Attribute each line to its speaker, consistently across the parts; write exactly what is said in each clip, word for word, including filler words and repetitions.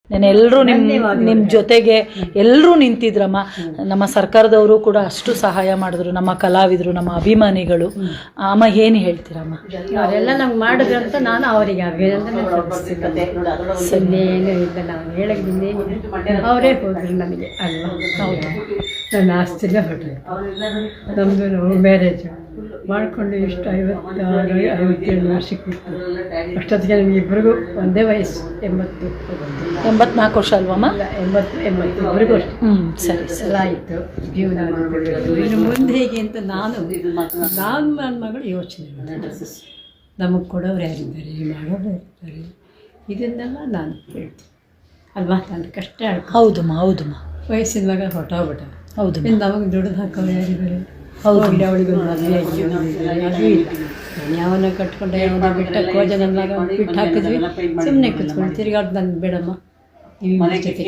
Speaker 1: ನಾನು ಎಲ್ಲರೂ ನಿಮ್ಮ ನಿಮ್ಮ ಜೊತೆಗೆ ಎಲ್ಲರೂ ನಿಂತಿದ್ರಮ್ಮ. ನಮ್ಮ ಸರ್ಕಾರದವರು ಕೂಡ ಅಷ್ಟು ಸಹಾಯ ಮಾಡಿದ್ರು, ನಮ್ಮ ಕಲಾವಿದರು, ನಮ್ಮ ಅಭಿಮಾನಿಗಳು. ಅಮ್ಮ ಏನು ಹೇಳ್ತೀರಮ್ಮ?
Speaker 2: ಅವರೆಲ್ಲ ನಮ್ಗೆ ಮಾಡಿದ್ರು ಅಂತ ನಾನು ಅವರಿಗೆ ಅಭಿನಂದನೆ ಸಲ್ಲಿಸ್ತೀನಿ. ಏನು ಇಲ್ಲ, ನಾವು ಹೇಳೋದ್ರಿಂದ ಅವರೇ ಹೋದ್ರು ನನಗೆ ಅಲ್ವಾ. ಹೌದು, ನನ್ನ ಆಸ್ತಿನೇ ಹೊರಟು. ನಮ್ಮದು ಮ್ಯಾರೇಜು ಮಾಡಿಕೊಂಡು ಇಷ್ಟು ಐವತ್ತಾರು ಐವತ್ತೇಳು ವರ್ಷಕ್ಕೆ ಬಿಟ್ಟು ಅಷ್ಟೊತ್ತಿಗೆ ನಮಗೆ ಇಬ್ಬರಿಗೂ ಒಂದೇ ವಯಸ್ಸು, ಎಂಬತ್ತು
Speaker 1: ಎಂಬತ್ನಾಲ್ಕು ವರ್ಷ ಅಲ್ವಮ್ಮ?
Speaker 2: ಎಂಬತ್ತು ಎಂಬತ್ತು ಇಬ್ಬರಿಗೂ ಅಷ್ಟು.
Speaker 1: ಹ್ಞೂ ಸರಿ
Speaker 2: ಸಲ ಆಯಿತು ಜೀವನ. ಇನ್ನು ಮುಂದೆ ಹೇಗೆ ಅಂತ ನಾನು ನಾನು ನನ್ನ ಮಗಳು ಯೋಚನೆ ಮಾಡಿದೆ. ನಮಗೆ ಕೊಡೋರು ಯಾರಿದ್ದಾರೆ, ಮಾಡೋರು ಇರ್ತಾರೆ, ಇದನ್ನೆಲ್ಲ ನಾನು ಹೇಳ್ತೀನಿ ಅಲ್ವಾ. ನಾನು ಕಷ್ಟ ಆಡ್ಕೊ.
Speaker 1: ಹೌದಮ್ಮ ಹೌದಮ್ಮ.
Speaker 2: ವಯಸ್ಸಿನ ಮಗ ಹೊಟ್ಟೋಗ್ಬಿಟ್ಟ.
Speaker 1: ಹೌದು,
Speaker 2: ಇನ್ನು ನಮಗೆ ದುಡ್ದು ಹಾಕೋರು ಯಾರಿದ್ದಾರೆ?
Speaker 1: ಹೌದು,
Speaker 2: ಅವಳಿಗೆ ಒಂದು ಮದುವೆ ಆಗಿ ಅದು ಇಲ್ಲ. ಯಾವನ್ನ ಕಟ್ಕೊಂಡೆ ಯಾವನ್ನ ಬಿಟ್ಟ ಕೋಜ ನನ್ನ ಬಿಟ್ಟು ಹಾಕಿದ್ವಿ. ಸುಮ್ಮನೆ ಕೂತ್ಕೊಂಡು ತಿರುಗಾಡ್ ನಾನು ಬೇಡಮ್ಮ, ನೀವು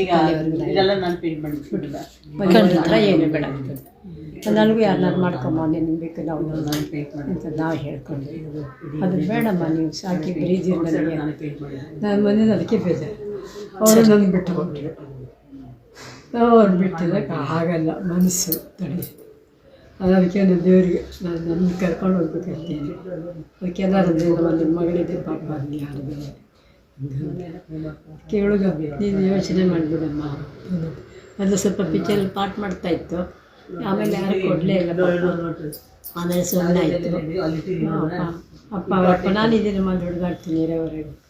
Speaker 2: ಹತ್ರ ಏನು ಬೇಡ ನನಗೂ ಯಾರನ್ನಾರು ಮಾಡ್ಕೊಂಬ, ನೀನು ಬೇಕು ನಾವು ಅಂತ ನಾವು ಹೇಳ್ಕೊಂಡು ಅದು ಬೇಡಮ್ಮ, ನೀವು ಸಾಕಿ ಬ್ರೀಜ್ ನನಗೆ ನಾನು ಮನೇಲಿ ಅದಕ್ಕೆ ಬೇಜಾರು. ಅವರು ನನಗೆ ಬಿಟ್ಟು ಹೋಗ್ಬಿಟ್ಟು ಅವ್ರು ಬಿಟ್ಟಿದ್ದಕ್ಕೆ ಆಗಲ್ಲ, ಮನಸ್ಸು ತಡಿ. ಅದಕ್ಕೆ ನಾನು ದೇವರಿಗೆ ನಾನು ನನ್ನ ಕರ್ಕೊಂಡು ಹೋಗ್ಬೇಕಿರ್ತೀನಿ. ಅದಕ್ಕೆ ಎಲ್ಲರೂ ನಿಮ್ಮ ಮಗಳಿದೆ ಪಾಪ ಅಲ್ಲಿ ಯಾರಿದೆ ಕೇಳುಗ ನೀನು ಯೋಚನೆ ಮಾಡಿಬಿಡಮ್ಮ. ಅದು ಸ್ವಲ್ಪ ಪಿಕ್ಚರ್ ಪಾಠ ಮಾಡ್ತಾಯಿತ್ತು, ಆಮೇಲೆ ಯಾರು ಕೊಡಲೇ ಇಲ್ಲ. ಆಮೇಲೆ ಸುಮ್ಮನೆ ಆಯಿತು. ಅಪ್ಪ ಅಪ್ಪ ಅಪ್ಪ ನಾನಿದ್ದೀನಿ, ಮಾಡಿ ಹುಡುಗಾಡ್ತೀನಿ ಇರೋವರೆಗೂ.